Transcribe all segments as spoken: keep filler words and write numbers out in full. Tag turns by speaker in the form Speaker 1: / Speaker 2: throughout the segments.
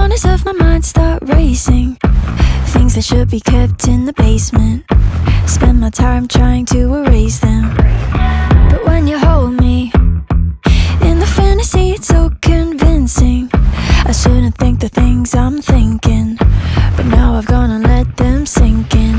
Speaker 1: corners of my mind start racing. Things that should be kept in the basement. Spend my time trying to erase them. But when you hold me in the fantasy, it's so convincing. I shouldn't think the things I'm thinking, but now I've gone and let them sink in.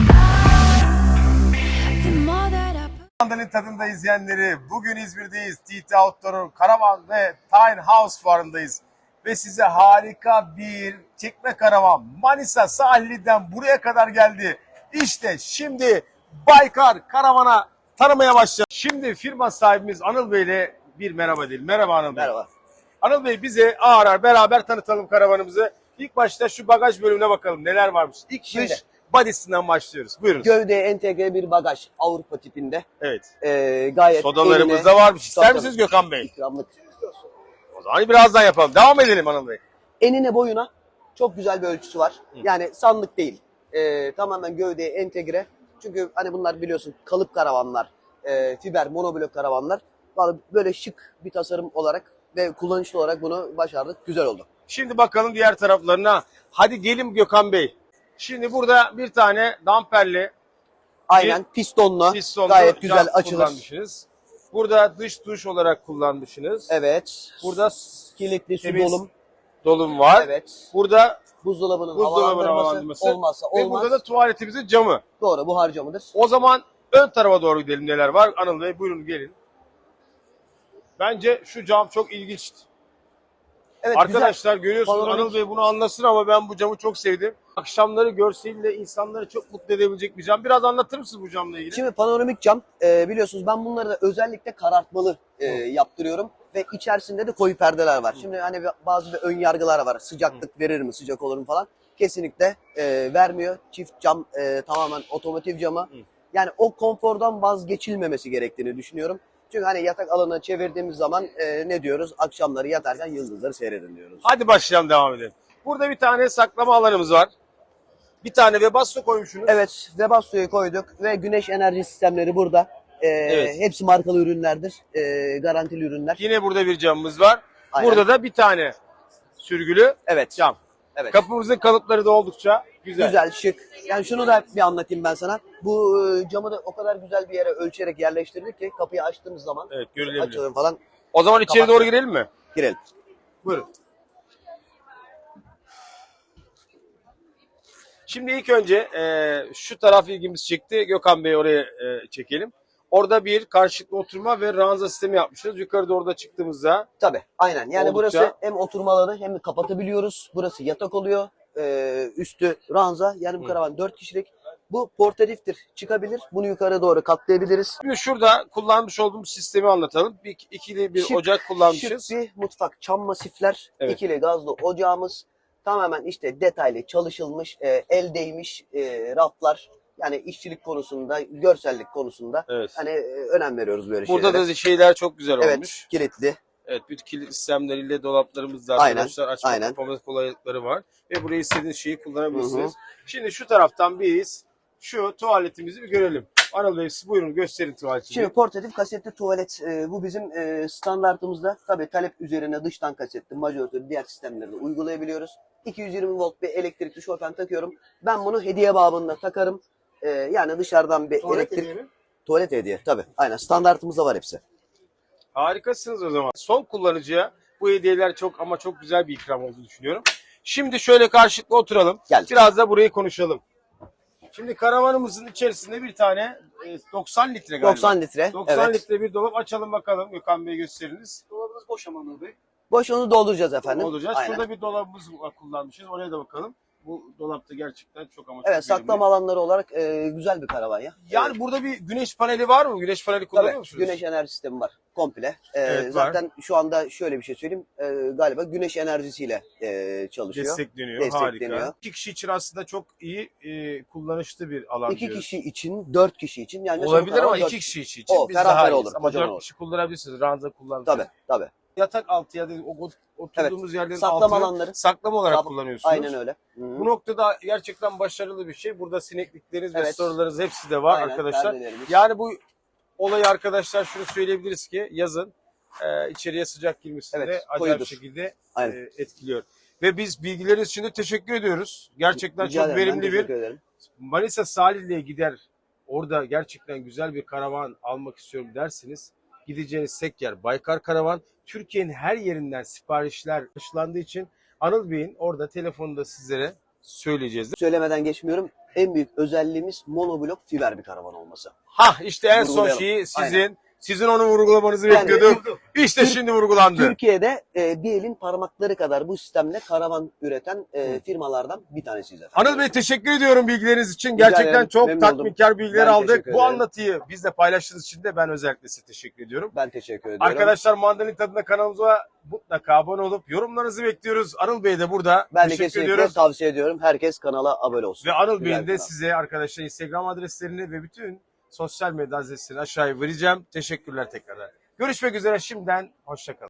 Speaker 1: The more that I
Speaker 2: Mandalin tadında izleyenleri, bugün İzmir'deyiz. T T Outdoor'un Karavan ve Tiny House fuarındayız. Ve size harika bir çekme karavan Manisa sahilinden buraya kadar geldi. İşte şimdi Baykar Karavan'a tanımaya başlayalım. Şimdi firma sahibimiz Anıl Bey ile bir merhaba edelim. Merhaba Anıl Bey.
Speaker 3: Merhaba.
Speaker 2: Anıl Bey bize ağır ağır beraber tanıtalım karavanımızı. İlk başta şu bagaj bölümüne bakalım neler varmış. İlk
Speaker 3: Şimdi.
Speaker 2: dış body'sinden başlıyoruz. Buyurun.
Speaker 3: Gövdeye entegre bir bagaj Avrupa tipinde.
Speaker 2: Evet.
Speaker 3: Ee, gayet
Speaker 2: Sodalarımız
Speaker 3: eline-
Speaker 2: da varmış. İster
Speaker 3: Tabii,
Speaker 2: misiniz Gökhan Bey?
Speaker 3: ikramlık.
Speaker 2: O zaman birazdan yapalım. Devam edelim Anıl Bey.
Speaker 3: Enine boyuna çok güzel bir ölçüsü var. Yani sandık değil. Ee, tamamen gövdeye entegre. Çünkü hani bunlar biliyorsun kalıp karavanlar, e, fiber monoblok karavanlar. Vallahi böyle şık bir tasarım olarak ve kullanışlı olarak bunu başardık. Güzel oldu.
Speaker 2: Şimdi bakalım diğer taraflarına. Hadi gelin Gökhan Bey. Şimdi burada bir tane damperli
Speaker 3: Aynen pistonlu,
Speaker 2: pistonlu
Speaker 3: gayet güzel
Speaker 2: cam
Speaker 3: açılır.
Speaker 2: kullanmışsınız. Burada dış duş olarak kullanmışsınız.
Speaker 3: Evet.
Speaker 2: Burada
Speaker 3: kilitli su
Speaker 2: temiz
Speaker 3: dolum.
Speaker 2: dolum var.
Speaker 3: Evet.
Speaker 2: Burada
Speaker 3: Buzdolabının
Speaker 2: buzdolabı
Speaker 3: havalandırması,
Speaker 2: havalandırması
Speaker 3: olmazsa
Speaker 2: ve
Speaker 3: olmaz.
Speaker 2: burada da tuvaletimizin camı.
Speaker 3: Doğru, buhar camıdır.
Speaker 2: O zaman ön tarafa doğru gidelim neler var. Anıl Bey buyurun gelin. Bence şu cam çok ilginç.
Speaker 3: Evet,
Speaker 2: Arkadaşlar görüyorsunuz
Speaker 3: Panoramik.
Speaker 2: Anıl Bey bunu anlasın ama ben bu camı çok sevdim. Akşamları görseliyle insanları çok mutlu edebilecek bir cam. Biraz anlatır mısınız bu camla ilgili?
Speaker 3: Şimdi panoramik cam e, biliyorsunuz ben bunları da özellikle karartmalı e, yaptırıyorum ve içerisinde de koyu perdeler var. Şimdi hani bazı bir ön yargılar var. Sıcaklık verir mi, sıcak olur mu falan. Kesinlikle e, vermiyor. Çift cam e, tamamen otomotiv camı. Yani o konfordan vazgeçilmemesi gerektiğini düşünüyorum. Çünkü hani yatak alanına çevirdiğimiz zaman e, ne diyoruz? Akşamları yatarken yıldızları seyredin diyoruz.
Speaker 2: Hadi başlayalım, devam edelim. Burada bir tane saklama alanımız var. Bir tane Webasto koymuşsunuz.
Speaker 3: Evet, Webasto'yu koyduk ve güneş enerji sistemleri burada. Ee,
Speaker 2: Evet.
Speaker 3: Hepsi markalı ürünlerdir, ee, garantili ürünler.
Speaker 2: Yine burada bir camımız var.
Speaker 3: Aynen.
Speaker 2: Burada da bir tane sürgülü
Speaker 3: Evet.
Speaker 2: cam.
Speaker 3: Evet.
Speaker 2: Kapımızın kalıpları da oldukça güzel.
Speaker 3: Güzel, şık. Yani şunu da bir anlatayım ben sana. Bu e, camı da o kadar güzel bir yere ölçerek yerleştirdik ki kapıyı açtığımız zaman
Speaker 2: Evet, görülebilir.
Speaker 3: açılır falan.
Speaker 2: O zaman içeri
Speaker 3: Kapat.
Speaker 2: doğru girelim mi?
Speaker 3: Girelim.
Speaker 2: Buyurun. Şimdi ilk önce e, şu taraf ilgimizi çekti. Gökhan Bey oraya e, çekelim. Orada bir karşılıklı oturma ve ranza sistemi yapmışız. Yukarı doğru da çıktığımızda
Speaker 3: Tabii, aynen. Yani
Speaker 2: Oldukça-
Speaker 3: burası hem oturma alanı hem de kapatabiliyoruz. Burası yatak oluyor. Ee, üstü ranza. Yani bu karavan dört kişilik. Bu portatiftir. Çıkabilir. Bunu yukarı doğru katlayabiliriz.
Speaker 2: şimdi şurada kullanmış olduğumuz sistemi anlatalım. Bir ikili bir
Speaker 3: Şık-
Speaker 2: ocak kullanmışız.
Speaker 3: Şık bir mutfak. Çam masifler,
Speaker 2: Evet.
Speaker 3: ikili gazlı ocağımız. Tamamen işte detaylı çalışılmış, e, el değmiş e, raflar. Yani işçilik konusunda, görsellik konusunda
Speaker 2: Evet.
Speaker 3: hani e, önem veriyoruz böyle
Speaker 2: Burada
Speaker 3: şeylere.
Speaker 2: da şeyler çok güzel
Speaker 3: Evet,
Speaker 2: olmuş.
Speaker 3: kilitli.
Speaker 2: Evet, bütün kilit sistemleriyle dolaplarımız da
Speaker 3: Aynen,
Speaker 2: arkadaşlar açma
Speaker 3: aynen.
Speaker 2: kapama kolaylıkları var. Ve buraya istediğiniz şeyi kullanabilirsiniz. Şimdi şu taraftan biz şu tuvaletimizi bir görelim. Anıl Bey siz buyurun gösterin tuvaletini.
Speaker 3: Şimdi portatif kasetli tuvalet e, bu bizim e, standartımızda. Tabii talep üzerine dıştan kasetli, majoratör, diğer sistemleri de uygulayabiliyoruz. iki yüz yirmi volt bir elektrikli şofen takıyorum. Ben bunu hediye babında takarım. E, yani dışarıdan bir
Speaker 2: Tuvalet
Speaker 3: elektrik...
Speaker 2: hediye mi?
Speaker 3: Tuvalet hediye tabii. Aynen standartımızda var hepsi.
Speaker 2: Harikasınız o zaman. Son kullanıcıya bu hediyeler çok ama çok güzel bir ikram olduğunu düşünüyorum. Şimdi şöyle karşılıklı oturalım.
Speaker 3: Geldik.
Speaker 2: Biraz da burayı konuşalım. Şimdi karavanımızın içerisinde bir tane e, doksan litre galiba.
Speaker 3: doksan litre.
Speaker 2: doksan
Speaker 3: Evet.
Speaker 2: litre bir dolap açalım bakalım. Gökhan Bey gösteriniz.
Speaker 4: Dolabınız boş ama Anıl Bey.
Speaker 3: Boş onu dolduracağız efendim.
Speaker 2: Olacağız.
Speaker 3: Aynen.
Speaker 2: Şurada bir dolabımız var, kullanmışız. Oraya da bakalım. Bu dolapta gerçekten çok ama çok
Speaker 3: Evet,
Speaker 2: verimli.
Speaker 3: saklama alanları olarak e, güzel bir karavan ya.
Speaker 2: Yani
Speaker 3: Evet.
Speaker 2: burada bir güneş paneli var mı? Güneş paneli kullanıyor
Speaker 3: Tabii,
Speaker 2: musunuz?
Speaker 3: güneş enerji sistemi var komple. Ee,
Speaker 2: Evet, var.
Speaker 3: zaten şu anda şöyle bir şey söyleyeyim. Ee, galiba güneş enerjisiyle e, çalışıyor.
Speaker 2: Destekleniyor.
Speaker 3: Destekleniyor.
Speaker 2: Harika. İki kişi için aslında çok iyi e, kullanışlı bir alan
Speaker 3: İki
Speaker 2: diyoruz.
Speaker 3: kişi için, dört kişi için. Yani mesela bu
Speaker 2: Olabilir ama
Speaker 3: karavan
Speaker 2: iki
Speaker 3: dört-
Speaker 2: kişi için, için
Speaker 3: O,
Speaker 2: biz
Speaker 3: ferah
Speaker 2: daha
Speaker 3: ferah
Speaker 2: iyiyiz.
Speaker 3: olur,
Speaker 2: Ama
Speaker 3: kocaman
Speaker 2: dört
Speaker 3: olur.
Speaker 2: kişi kullanabilirsiniz. Ranza kullanırsınız.
Speaker 3: Tabii, tabii.
Speaker 2: Yatak altı ya da o oturduğumuz yerlerin
Speaker 3: Saklama
Speaker 2: altını
Speaker 3: alanları.
Speaker 2: saklama olarak
Speaker 3: Sak-
Speaker 2: kullanıyorsunuz.
Speaker 3: Aynen öyle. Hı-hı.
Speaker 2: Bu noktada gerçekten başarılı bir şey. Burada sineklikleriniz ve
Speaker 3: Evet.
Speaker 2: storelarınız hepsi de var
Speaker 3: Aynen,
Speaker 2: arkadaşlar.
Speaker 3: perdelerimiz.
Speaker 2: Yani bu olayı arkadaşlar şunu söyleyebiliriz ki yazın e, içeriye sıcak girmesinde
Speaker 3: Evet,
Speaker 2: acayip
Speaker 3: koyudur.
Speaker 2: şekilde
Speaker 3: Aynen.
Speaker 2: e, etkiliyor. Ve biz bilgileriniz için de teşekkür ediyoruz. Gerçekten
Speaker 3: Rica
Speaker 2: çok
Speaker 3: ederim, ben
Speaker 2: verimli bir
Speaker 3: teşekkür ederim.
Speaker 2: Manisa Salihli'ye gider. Orada gerçekten güzel bir karavan almak istiyorum derseniz gideceğiniz tek yer Baykar Karavan. Türkiye'nin her yerinden siparişler karşılandığı için Anıl Bey'in orada telefonunda sizlere söyleyeceğiz.
Speaker 3: Söylemeden geçmiyorum. En büyük özelliğimiz monoblok fiber bir karavan olması.
Speaker 2: Ha işte en son
Speaker 3: Vurgulayalım.
Speaker 2: şeyi sizin
Speaker 3: Aynen.
Speaker 2: sizin onu vurgulamanızı
Speaker 3: Yani-
Speaker 2: bekliyordum. İşte
Speaker 3: Tür-
Speaker 2: şimdi vurgulandı.
Speaker 3: Türkiye'de e, bir elin parmakları kadar bu sistemle karavan üreten e, firmalardan bir tanesiyiz efendim.
Speaker 2: Anıl Bey teşekkür ediyorum bilgileriniz için.
Speaker 3: Rica
Speaker 2: Gerçekten
Speaker 3: ederim,
Speaker 2: çok
Speaker 3: memnun
Speaker 2: tatminkar bilgiler
Speaker 3: Ben
Speaker 2: aldık.
Speaker 3: teşekkür
Speaker 2: Bu
Speaker 3: ederim.
Speaker 2: anlatıyı bizle paylaştığınız için de ben özellikle size teşekkür ediyorum.
Speaker 3: Ben teşekkür ediyorum.
Speaker 2: Arkadaşlar Mandalin Tadında kanalımıza mutlaka abone olup yorumlarınızı bekliyoruz. Anıl Bey de burada.
Speaker 3: ben de
Speaker 2: teşekkür
Speaker 3: kesinlikle
Speaker 2: ediyoruz.
Speaker 3: tavsiye ediyorum. Herkes kanala abone olsun.
Speaker 2: Ve Anıl
Speaker 3: Güzel
Speaker 2: Bey'in
Speaker 3: bir
Speaker 2: de
Speaker 3: kanal.
Speaker 2: size arkadaşlar Instagram adreslerini ve bütün sosyal medya adreslerini aşağıya vereceğim. Teşekkürler tekrardan. Görüşmek üzere şimdiden. Hoşçakalın.